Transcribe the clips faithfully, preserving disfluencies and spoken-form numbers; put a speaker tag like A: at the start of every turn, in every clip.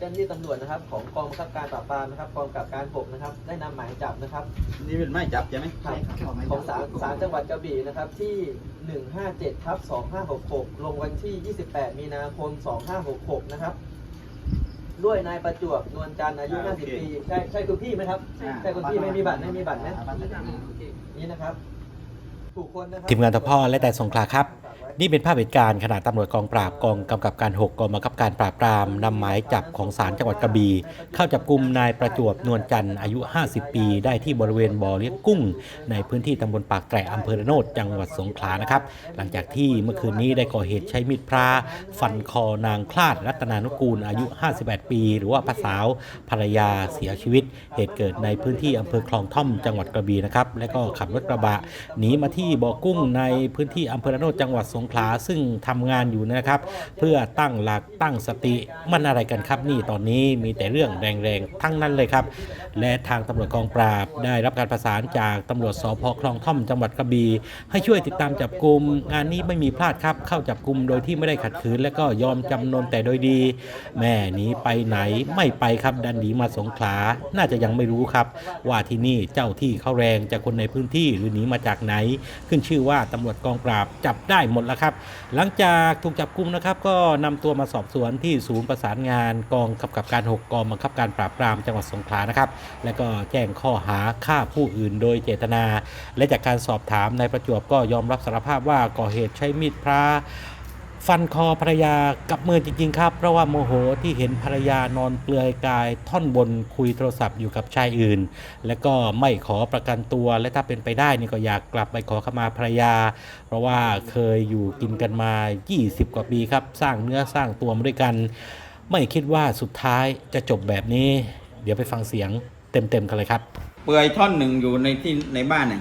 A: จ้าหน้าที่ตำรวจนะครับของกองบังคับการปราบปรามนะครับกองกำกับการหกนะครับได้นำหมายจับนะครับ
B: นี่เป็นหมายจับใช่ไหม
A: ของศาลศาลจังหวัดกระบี่นะครับที่หนึ่งห้าเจ็ดทับสองห้าหกหกลงวันที่ยี่สิบแปดมีนาคมสองห้าหกหกนะครับด้วยนายประจวบนวลจันทร์อายุห้าสิบปีใช่ใช่คุณพี่ไหมครับใช่คุณพี่ไม่มีบัตรไม่มีบัตรนะนี่นะครับ
C: ทีมงานทพและแต่สงขลาครับนี่เป็นภาพเหตุการณ์ขณะตำรวจกองปราบกองกำกับการหกกองบังคับการปราบปรามนำหมายจับของศาลจังหวัดกระบี่เข้าจับกุมนายประจวบนวลจันทร์อายุห้าสิบปีได้ที่บริเวณบ่อเลี้ยงกุ้งในพื้นที่ตำบลปากแตรอำเภอระโนดจังหวัดสงขลานะครับหลังจากที่เมื่อคืนนี้ได้ก่อเหตุใช้มีดพระฟันคอนางคลาดรัตนานุกูลอายุห้าสิบแปดปีหรือว่าป้าสาวภรรยาเสียชีวิตเหตุเกิดในพื้นที่อำเภอคลองท่อมจังหวัดกระบี่นะครับและก็ขับรถกระบะหนีมาที่บ่อกุ้งในพื้นที่อำเภอระโนดจังหวัดสงขลาซึ่งทำงานอยู่นะครับเพื่อตั้งหลักตั้งสติมันอะไรกันครับนี่ตอนนี้มีแต่เรื่องแรงๆทั้งนั้นเลยครับและทางตำรวจกองปราบได้รับการประสานจากตำรวจสภ.คลองท่อมจังหวัดกระบี่ให้ช่วยติดตามจับกุมงานนี้ไม่มีพลาดครับเข้าจับกุมโดยที่ไม่ได้ขัดขืนและก็ยอมจำนนแต่โดยดีแม่หนีไปไหนไม่ไปครับดันหนีมาสงขลาน่าจะยังไม่รู้ครับว่าที่นี่เจ้าที่เขาแรงจากคนในพื้นที่หรือหนีมาจากไหนขึ้นชื่อว่าตำรวจกองปราบจับได้หมดแล้วครับหลังจากถูกจับกุมนะครับก็นำตัวมาสอบสวนที่ศูนย์ประสานงานกองกำกับการหกกองบังคับการปราบปรามจังหวัดสงขลานะครับและก็แจ้งข้อหาฆ่าผู้อื่นโดยเจตนาและจากการสอบถามนายประจวบก็ยอมรับสารภาพว่าก่อเหตุใช้มีดพระฟันคอภรรยากับมือจริงๆครับเพราะว่าโมโหที่เห็นภรรยานอนเปลือยกายท่อนบนคุยโทรศัพท์อยู่กับชายอื่นและก็ไม่ขอประกันตัวและถ้าเป็นไปได้นี่ก็อยากกลับไปขอขมาภรรยาเพราะว่าเคยอยู่กินกันมายี่สิบกว่าปีครับสร้างเนื้อสร้างตัวมาด้วยกันไม่คิดว่าสุดท้ายจะจบแบบนี้เดี๋ยวไปฟังเสียงเต็มๆกันเลยครับ
B: เปลือยท่อนหนึ่งอยู่ในที่ในบ้านเนี่ย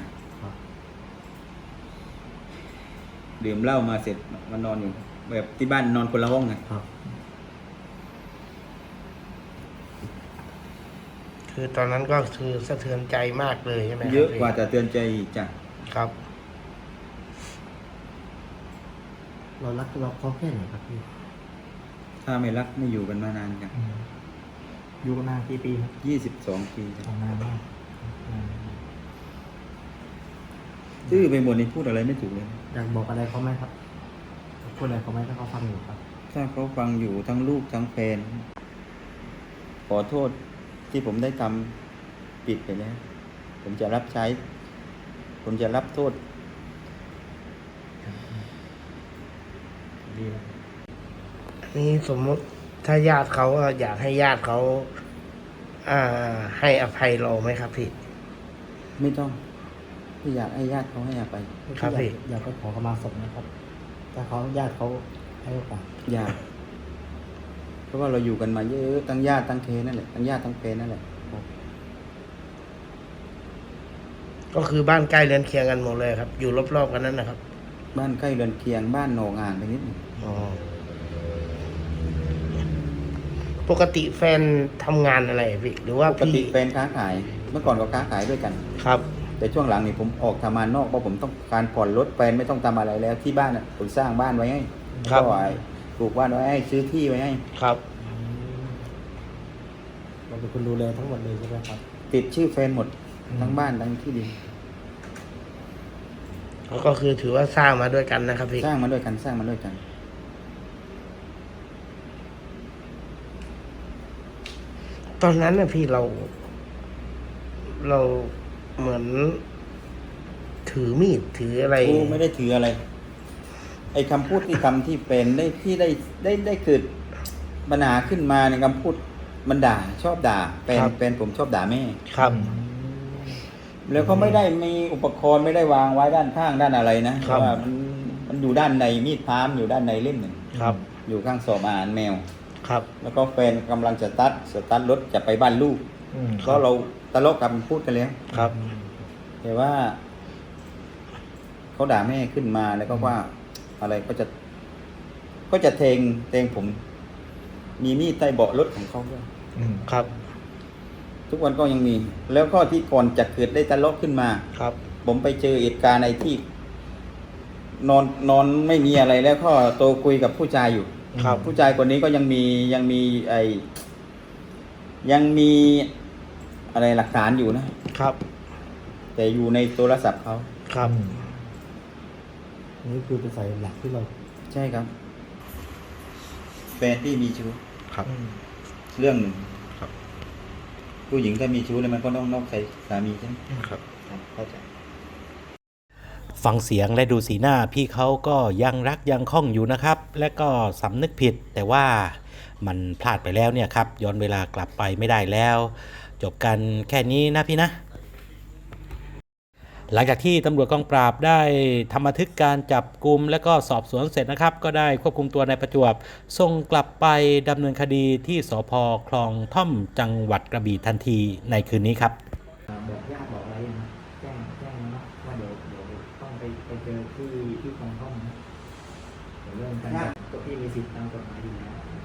B: ดื่มเหล้ามาเสร็จมานอนอยู่แบบที่บ้านนอนคนละห้องไง
D: คือตอนนั้นก็คือสะเทือนใจมากเลยใช่ไหม
B: เยอะกว่าจะเตือนใจจ้ะ
D: ครับ
E: เรารักเราเขาแค่ไหนครับพี่
B: ถ้าไม่รักไม่อยู่กันมานานกัน
E: อยู่กันนานกี่ปีครับ
B: ยี่สิบสองปี
E: นานมาก
B: ชื่อไปหมดนี่พูดอะไรไม่ถูกเลย
E: อยากบอกอะไรเขาไหมครับพูดอะไรเขาไหมถ้าเขาฟังอยู่ครับ
B: ถ้าเขาฟังอยู่ทั้งลูกทั้งแฟนขอโทษที่ผมได้ทำผิดไปแล้วผมจะรับใช้ผมจะรับโทษ
D: นี่สมมติถ้าญาติเขาอยากให้ญาติเขาอ่าให้อภัยเราไหมครับพี่
B: ไม่ต้องพี่อยากให้ญาติเขาให้อภัย
D: ครับพี่
E: อยากไปขอขมาศพนะครับถ้าเขาญาติเขาให้โอกาส
B: อยากเพราะว่าเราอยู่กันมาเยอะทั้งญาติทั้งเคนั่นแหละทั้งญาติทั้งเคนั่นแหละ
D: ก็คือบ้านใกล้เรือนเคียงกันหมดเลยครับอยู่รอบๆกันนั่นนะครับ
B: บ้านใกล้เรือนเคียงบ้านโหนงานไปนิดหนึ่ง
D: อ๋อปกติแฟนทำงานอะไรพี่หรือว่า
B: ปกติแฟนค้าขายเมื่อก่อนก็ค้าขายด้วยกัน
D: ครับ
B: แต่ช่วงหลังนี่ผมออกทำงานนอกเพราะผมต้องการผ่อนรถแฟนไม่ต้องทำอะไรแล้วที่บ้านอ่ะผมสร้างบ้านไว้ให้ก็ไว้ปลูกบ้านไว้ให้ซื้อที่ไว้ให้
D: ครับ
E: เราเป็นคนดูแลทั้งหมดเลยใช่ไหมครับ
B: ติดชื่อแฟนหมดทั้งบ้านทั้งที่ดิน
D: ก็คือถือว่าสร้างมาด้วยกันนะครับพี่
B: สร้างมาด้วยกันสร้างมาด้วยกัน
D: ตอนนั้นนะพี่เรา เราเหมือนถือมีดถืออะไร
B: โอ้ไม่ได้ถืออะไรไอ้คำพูดที่คำที่เป็นได้ที่ได้ได้ได้เกิดปัญหาขึ้นมาในคำพูดมันด่าชอบด่าเป็นเป็นผมชอบด่าแม่
D: ครับ
B: แล้วก็ไม่ได้มีอุปกรณ์ไม่ได้วางไว้ด้านข้างด้านอะไรนะเพราะว่ามันมันอยู่ด้านในมีดพามอยู่ด้านในเล่มหนึ่ง
D: ครับ
B: อยู่ข้างศพอาหารแมว
D: ครับ
B: แล้วก็แฟนกำลังจะตัดสตาร์ทรถจะไปบ้านลูกก็เราตลกกันพูดกันแล้ว
D: ครับ
B: แต่ว่าเขาด่าแม่ขึ้นมาแล้วก็ว่าอะไรก็จะก็จะเทงเทงผมมีมีดใต้เบาะรถของเขาด้วย
D: ครับ
B: ทุกวันก็ยังมีแล้วก็ที่ก่อนจะเกิดได้ตลกขึ้นมา
D: ครับ
B: ผมไปเจอเหตุการณ์ในที่นอนนอนไม่มีอะไรแล้วก็โตคุยกับผู้ชายอยู่
D: ครับ
B: ผู้ชายคนนี้ก็ยังมียังมีไอยังมีอะไรหลักฐานอยู่นะ
D: ครับ
B: แต่อยู่ในโทรศัพท์เขา
D: ครับ
E: นี่คือเป็นสายหลักที่เรา
B: ใช่ครับแฟนที่มีชู้
D: ครับ
B: เรื่องหนึ่ง
D: ครับ
B: ผู้หญิงถ้ามีชู้เนี่ยมันก็ต้องนอกใจสามีใช่ไหม
D: ครับ
B: ครับเข้าใจ
C: ฟังเสียงและดูสีหน้าพี่เขาก็ยังรักยังคล่องอยู่นะครับ และก็สำนึกผิดแต่ว่ามันพลาดไปแล้วเนี่ยครับย้อนเวลากลับไปไม่ได้แล้ว จบกันแค่นี้นะพี่นะ หลังจากที่ตำรวจกองปราบได้ทำบันทึกการจับกุมและก็สอบสวนเสร็จนะครับ ก็ได้ควบคุมตัวนายประจวบส่งกลับไปดำเนินคดีที่สภ.คลองท่อมจังหวัดกระบี่ทันทีในคืนนี้ครับ
E: บอกญาติบอกอะไรยังนะแจ้งแจ้งนะว่าเดี๋ยวเดี๋ยวต้องไปไปเจอที่ที่คลองท่อมนะเดี๋ยวเรื่องการจับตัวพี่มีสิทธิ์ตามกฎหมายอยู่แล้ว